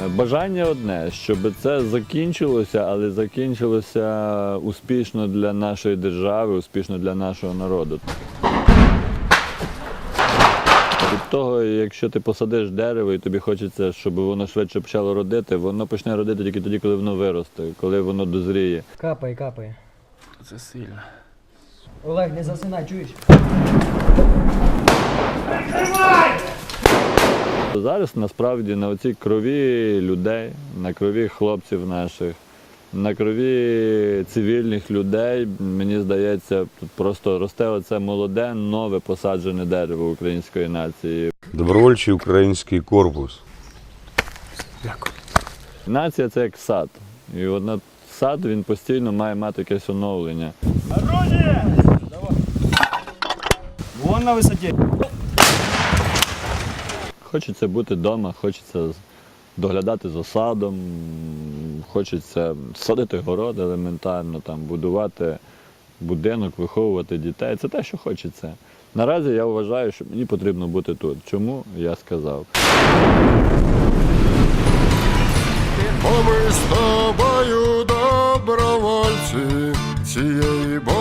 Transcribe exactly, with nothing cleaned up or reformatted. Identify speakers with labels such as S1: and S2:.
S1: Бажання одне, щоб це закінчилося, але закінчилося успішно для нашої держави, успішно для нашого народу. Від того, якщо ти посадиш дерево і тобі хочеться, щоб воно швидше почало родити, воно почне родити тільки тоді, коли воно виросте, коли воно дозріє.
S2: Капає, капає.
S3: Це сильно.
S2: Олег, не засинай, чуєш?
S1: Зараз насправді на оцій крові людей, на крові хлопців наших, на крові цивільних людей, мені здається, тут просто росте оце молоде, нове посаджене дерево української нації.
S4: Добровольчий український корпус.
S3: Дякую.
S1: Нація – це як сад. І от на сад він постійно має мати якесь оновлення.
S5: Орудие! Вон на висоті.
S1: Хочеться бути вдома, хочеться доглядати за садом, хочеться садити город елементарно, там, будувати будинок, виховувати дітей. Це те, що хочеться. Наразі я вважаю, що мені потрібно бути тут. Чому? Я сказав.
S4: Бо ми з тобою добровольці цієї